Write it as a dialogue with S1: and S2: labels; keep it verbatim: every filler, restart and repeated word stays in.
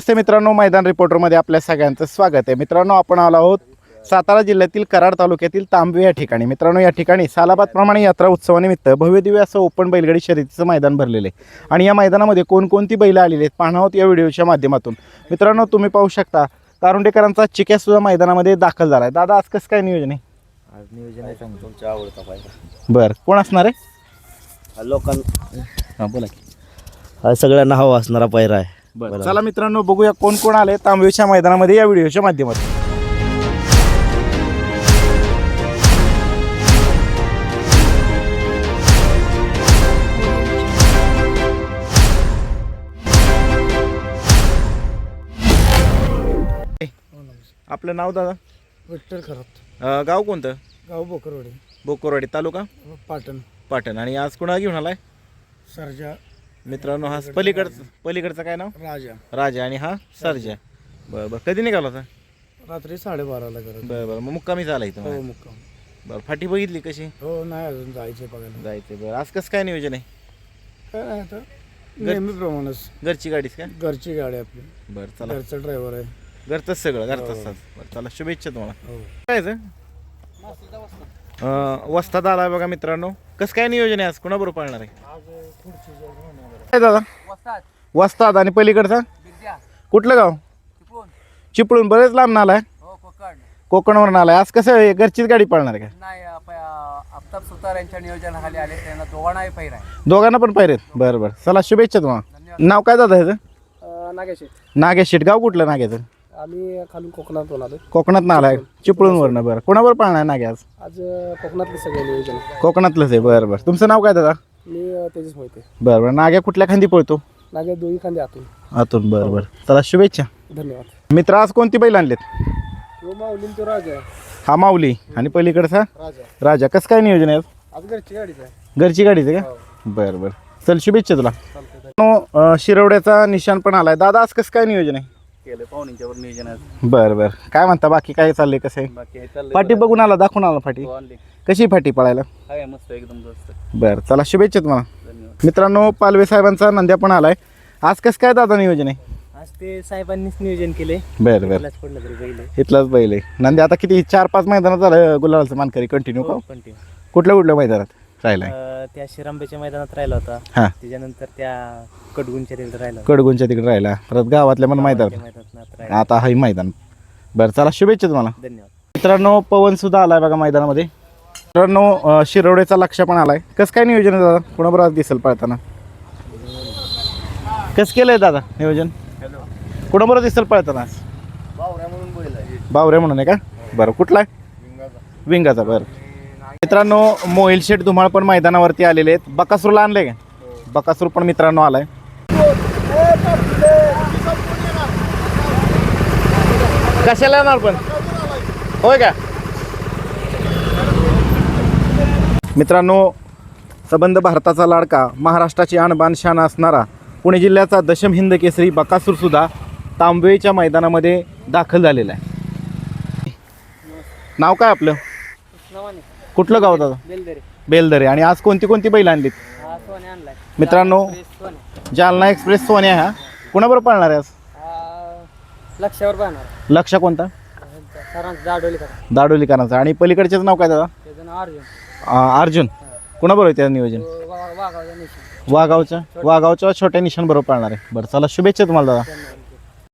S1: नमस्ते मित्रांनो, मैदान रिपोर्टरमध्ये आपल्या सगळ्यांचं स्वागत आहे। मित्रांनो, आपण आलो आहोत सातारा जिल्ह्यातील कराड तालुक्यातील तांबवे या ठिकाणी। मित्रांनो, या ठिकाणी सालाबादप्रमाणे यात्रा उत्सवानिमित्त भव्यदिव्य असं ओपन बैलगाडी शर्यतीचं मैदान भरलेले आहे आणि या मैदानामध्ये कोणकोणती बैल आलेली आहेत पाहणार आहोत या व्हिडिओच्या माध्यमातून। मित्रांनो, तुम्ही पाहू शकता तारुंडेकरांचा चिक्या सुद्धा मैदानामध्ये दाखल झाला आहे। दादा, आज कसं काय नियोजन आहे?
S2: आज नियोजन आहे सांगतो, तुमच्या आवडता पाहिजे।
S1: बरं, कोण असणार आहे?
S2: लोकांना
S1: हां, बोला की।
S2: हा सगळ्यांना हवा असणारा पायरा आहे।
S1: बरं, चला मित्रांनो, बघूया कोण कोण आले तांबवेच्या मैदानामध्ये या व्हिडिओच्या माध्यमातून। आपलं नाव दादा?
S3: विठ्ठल खरात,
S1: अं, गाव कोणतं?
S3: गाव बोकरवाडी,
S1: बोकोरवाडी, तालुका
S3: पाटण,
S1: पाटण। आणि आज कोणाला घेऊन आलाय?
S3: सरजा,
S1: मित्रांनो, हा पलीकडचं पलीकडचं काय नाव?
S3: राजा।
S1: राजा आणि हा सरजा। बरं बरं, कधी निघाला होता?
S3: रात्री साडेबाराला करत.
S1: बरं बरं, मग मुक्कामी झाला इथं?
S3: हो, मुक्काम.
S1: बरं, फाटी बघितली कशी?
S3: हो, नाही अजून जायचे बघायला.
S1: जायचं। बरं, आज कसं काय नियोजन आहे?
S3: काय नाही आता नेहमीप्रमाणेच
S1: घरची गाडीच का?
S3: घरची गाडी आपली,
S1: बरं, चला,
S3: घरचा ड्रायव्हर आहे.
S1: घरचंच सगळं घरचंच साज। बरं, चला, शुभेच्छा तुम्हाला।
S3: हो,
S1: काय वस्तात आला बघा मित्रांनो। कसं काय नियोजन आहे आज? कोणाबरोबर पाळणार आहे? काय दादा? वस्तात आणि पलीकडचा कुठलं गाव? चिपळूण। बरेच लांब आलाय, कोकणवरून आलाय। आज कसं आहे, घरचीच गाडी पाळणार आहे का?
S4: नाही, आफताब सुतार यांच्या नियोजनाखाली आले, त्यांना दोघांनाही पैर आहे।
S1: दोघांना पण पाहिजेत? बरं बरं, चला, शुभेच्छा तुम्हाला। नाव काय दादा ह्याचं?
S3: नागेश,
S1: नागेश शेट। गाव कुठलं नाग्याचं?
S3: आम्ही खालून कोकणातून आलो।
S1: कोकणात आलाय, चिपळूणवरनं। बरं, कोणाबरोबर पाळणार आहे नागे आज?
S3: आज कोकणातले सगळे नियोजन।
S1: कोकणातलंच आहे? बरं बरं, तुमचं नाव काय दादा?
S3: मी तेजस माहिती।
S1: बरं बरं, नाग्या कुठल्या खांदी पळतो?
S3: नागे दोन्ही खांदे आतून
S1: आतून। बरं बरं, चला, शुभेच्छा।
S3: धन्यवाद।
S1: मित्र, आज कोणती बैल आणलेत?
S3: हो, माऊलीन तो राजा,
S1: हा माऊली आणि पलीकडचा
S3: राजा।
S1: राजा। कसं काय नियोजन आहे आज?
S3: आज घरची गाडीच आहे।
S1: घरची गाडीच आहे का? बरं बरं, चल, शुभेच्छा तुला। अं, शिरवड्याचा निशाण पण आलाय। दादा, आज कसं काय नियोजन आहे?
S2: केलं पाहुण्यांच्यावर नियोजन आहे।
S1: बरं बरं, काय म्हणता बाकी? काय चाललंय, कसं आहे?
S2: बाकी हे चाललंय
S1: फाटी बघून आला, दाखवून आला फाटी?
S2: बरं. आणली
S1: कशी फाटी पळायला?
S2: आहे मस्त, एकदम मस्त।
S1: बरं, चला, शुभेच्छा तुम्हाला।
S2: धन्यवाद।
S1: मित्रांनो, पालवे साहेबांचा नंद्या पण आलाय। आज कसं काय दादा नियोजन आहे?
S4: आज ते साहेबांनीच नियोजन केले,
S1: बरं बरं,
S4: पडलं तरी बैल
S1: इथलाच बैल आहे नंद्या। आता किती चार पाच मैदानात झालं गुलालाचं मानकरी कंटिन्यू का?
S4: कंटिन्यू।
S1: कुठल्या कुठल्या मैदानात राहिलाय?
S4: त्या शिरांबेच्या मैदानात राहिला होता,
S1: हां,
S4: त्याच्यानंतर त्या कडगुंच्या तिकडे राहिला,
S1: कडगुंच्या तिकडे राहिला, परत गावातल्या पण मैदानात,
S4: मैदानात राहिला।
S1: आता हाही मैदान। बरं, चला, शुभेच्छा तुम्हाला।
S4: धन्यवाद।
S1: मित्रांनो, पवन सुद्धा आलाय बघा मैदानामध्ये। मित्रांनो, अं, शिरवड्याचा लक्ष पण आलाय। कसं काय नियोजन आहे दादा? कोणाबरोबर आज दिसेल पळताना? कसं केलंय दादा नियोजन? कोणाबरोबर दिसेल पळताना आज?
S2: बावऱ्या म्हणून बैल आहे।
S1: बावरे म्हणून आहे का? बरं, कुठला आहे? विंगाचा। बरं मित्रांनो, मोहिल शेठ धुमाळ पण मैदानावरती आलेले आहेत। बकासूरला आणले का? बकासूर पण मित्रांनो आलाय। कशाला येणार पण? होय का? मित्रांनो, संबंध भारताचा लाडका, महाराष्ट्राची आणबाण शान असणारा पुणे जिल्ह्याचा दशम हिंद केसरी बकासूर सुद्धा तांबवेच्या मैदानामध्ये दाखल झालेला आहे। नाव काय आपलं? कुठलं गाव दादा?
S4: बेलदरे।
S1: बेलदरे। आणि आज कोणती कोणती बैल आणलीत?
S4: हा, सोने आणलाय
S1: मित्रांनो, जालना एक्सप्रेस सोन्या हा कोणाबरोबर पाळणार आहे आज?
S4: लक्षावर पाहणार,
S1: लक्ष कोणता?
S4: सरांचं दाडोली करा,
S1: दाडोलीकरांचा। आणि पलीकडच्याच नाव काय दादा?
S4: त्याचं नाव अर्जुन।
S1: अं, अर्जुन। कोणाबरोबर आहे त्याचं नियोजन?
S4: वाघावचा निशाण।
S1: वाघावच्या वाघावच्या छोट्या निशाण बरोबर पाळणार आहे। बरं, चला, शुभेच्छा तुम्हाला दादा।